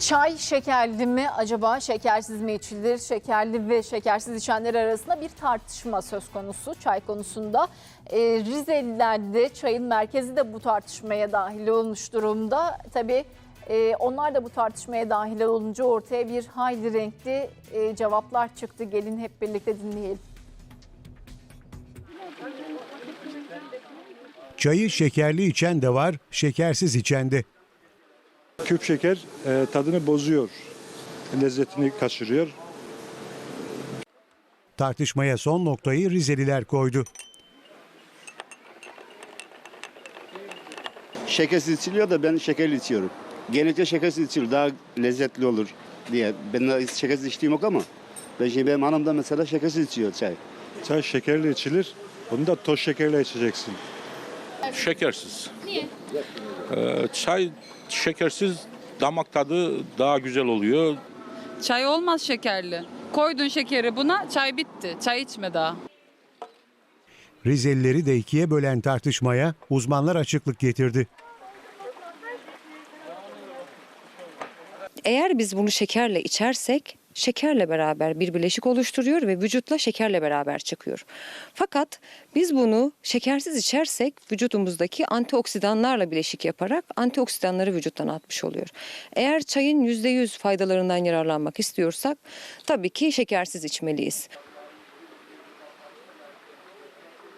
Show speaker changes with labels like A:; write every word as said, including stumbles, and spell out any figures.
A: Çay şekerli mi acaba, şekersiz mi içilir? Şekerli ve şekersiz içenler arasında bir tartışma söz konusu çay konusunda. Ee, Rizeliler de çayın merkezi de bu tartışmaya dahil olmuş durumda. Tabii e, onlar da bu tartışmaya dahil olunca ortaya bir hayli renkli e, cevaplar çıktı. Gelin hep birlikte dinleyelim.
B: Çayı şekerli içen de var, şekersiz içen de.
C: Küp şeker e, tadını bozuyor, lezzetini kaçırıyor.
B: Tartışmaya son noktayı Rizeliler koydu.
D: Şekersiz içiliyor da ben şekerli içiyorum. Genellikle şekersiz içilir, daha lezzetli olur diye. Ben de şekersiz içtiğim yok ama ben şimdi benim hanım da mesela şekersiz içiyor çay.
C: Çay şekerli içilir, bunu da toz şekerle içeceksin.
E: Şekersiz. Niye? Ee, çay şekersiz damak tadı daha güzel oluyor.
F: Çay olmaz şekerli. Koydun şekeri buna, çay bitti. Çay içme daha.
B: Rizelileri de ikiye bölen tartışmaya uzmanlar açıklık getirdi.
G: Eğer biz bunu şekerle içersek şekerle beraber bir bileşik oluşturuyor ve vücutla şekerle beraber çıkıyor. Fakat biz bunu şekersiz içersek vücudumuzdaki antioksidanlarla bileşik yaparak antioksidanları vücuttan atmış oluyor. Eğer çayın yüzde yüz faydalarından yararlanmak istiyorsak tabii ki şekersiz içmeliyiz.